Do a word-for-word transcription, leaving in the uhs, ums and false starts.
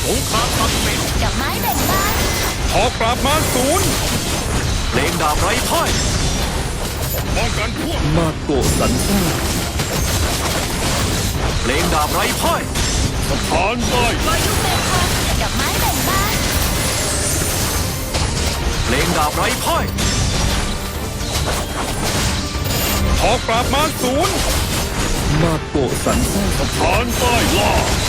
สงครามตัดสินดอกไม้แบ่งบานหอกปราบมารศูนย์เพลงดาบไร้พ่ายป้องกันพวกมาโกะสันซ่าเพลงดาบไร้พ่ายสถานใต้วายุเบคอนดอกไม้แบ่งบานเพลงดาบไร้พ่ายหอกปราบมารศูนย์มาโกะสันซ่าสถานใต้ล่า